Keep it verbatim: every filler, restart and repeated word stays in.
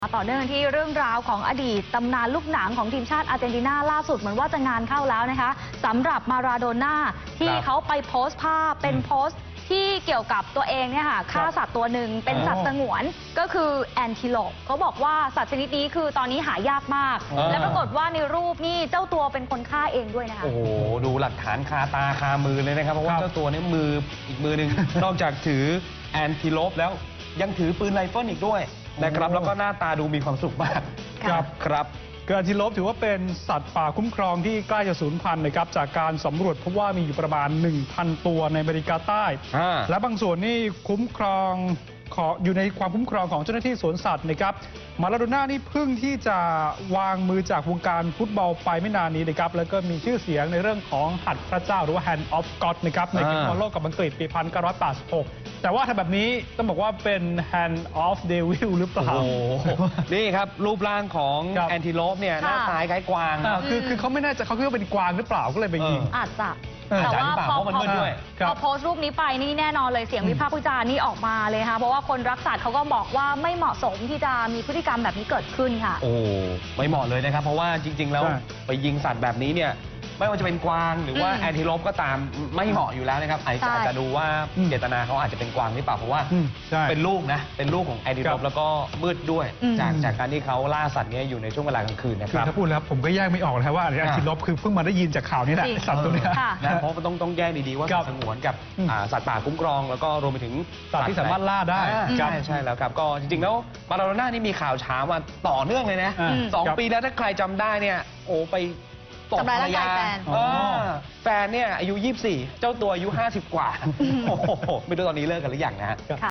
ต่อเนื่องที่เรื่องราวของอดีตตำนานลูกหนังของทีมชาติอาร์เจนตินาล่าสุดเหมือนว่าจะงานเข้าแล้วนะคะสำหรับมาราโดน่าที่เขาไปโพสต์ภาพเป็นโพสต์ที่เกี่ยวกับตัวเองเนี่ยค่ะฆ่าสัตว์ตัวหนึ่งเป็นสัตว์สงวนก็คือแอนทิโลปเขาบอกว่าสัตว์ชนิดนี้คือตอนนี้หายากมากและปรากฏว่าในรูปนี่เจ้าตัวเป็นคนฆ่าเองด้วยนะคะโอ้โหดูหลักฐานคาตาคามือเลยนะครับเพราะว่าเจ้าตัวนี้มืออีกมือหนึ่ง นอกจากถือแอนทิโลปแล้วยังถือปืนไรเฟิลอีกด้วยนะครับแล้วก็หน้าตาดูมีความสุขมากครับครับแอนทิโลปถือว่าเป็นสัตว์ป่าคุ้มครองที่ใกล้จะสูญพันธุ์นะครับจากการสำรวจพบว่ามีอยู่ประมาณ หนึ่งพัน ตัวในอเมริกาใต้และบางส่วนนี่คุ้มครองอยู่ในความคุ้มครองของเจ้าหน้าที่สวนสัตว์นะครับมาราโดน่านี่เพิ่งที่จะวางมือจากวงการฟุตบอลไปไม่นานนี้นะครับแล้วก็มีชื่อเสียงในเรื่องของหัตถ์พระเจ้าหรือว่า Hand of God นะครับในเกมบอลโลกกับอังกฤษปี หนึ่งพันเก้าร้อยแปดสิบหก แต่ว่าถ้าแบบนี้ต้องบอกว่าเป็น Hand of Devil หรือเปล่าโอ้นี่ครับรูปร่างของแอนทิโลปเนี่ยหน้าตาคล้ายกวางคือคือเขาไม่แน่ใจเขาคิดว่าเป็นกวางหรือเปล่าก็เลยไปยิงอาจจะแต่ว่าพอพอโพสต์รูปนี้ไปนี่แน่นอนเลยเสียงวิพากษ์วิจารณ์นี่ออกมาเลยค่ะเพราะว่าคนรักสัตว์เขาก็บอกว่าไม่เหมาะสมที่จะมีพฤติกรรมแบบนี้เกิดขึ้นค่ะโอ้ไม่เหมาะเลยนะครับเพราะว่าจริงๆแล้วไปยิงสัตว์แบบนี้เนี่ยไม่ว่าจะเป็นกวางหรือว่าแอนทิโลปก็ตามไม่เหมาะอยู่แล้วนะครับอาจจะดูว่าเจตนาเขาอาจจะเป็นกวางหรือเปล่าเพราะว่าเป็นลูกนะเป็นลูกของแอนทิโลปแล้วก็มืดด้วยจากจากการที่เขาล่าสัตว์นี้อยู่ในช่วงเวลากลางคืนนะครับถ้าพูดแล้วผมก็แยกไม่ออกนะว่าแอนทิโลปคือเพิ่งมาได้ยินจากข่าวนี้แหละสัตว์ตัวนี้นะเพราะต้องต้องแยกดีๆว่าสัตว์สงวนกับสัตว์ป่าคุ้มครองแล้วก็รวมไปถึงสัตว์ที่สามารถล่าได้ใช่ใช่แล้วครับก็จริงๆแล้วมาราโดน่านี่มีข่าวเช้ามาต่อเนื่องเลยนะสองปีแล้วถ้าใครจำได้เนี่ยโอ้ไปตบภรรยาแฟนเนี่ยอายุยี่สิบสี่เจ้าตัวอายุห้าสิบกว่าโอ้โหไม่รู้ตอนนี้เลิกกันหรือยังนะฮะ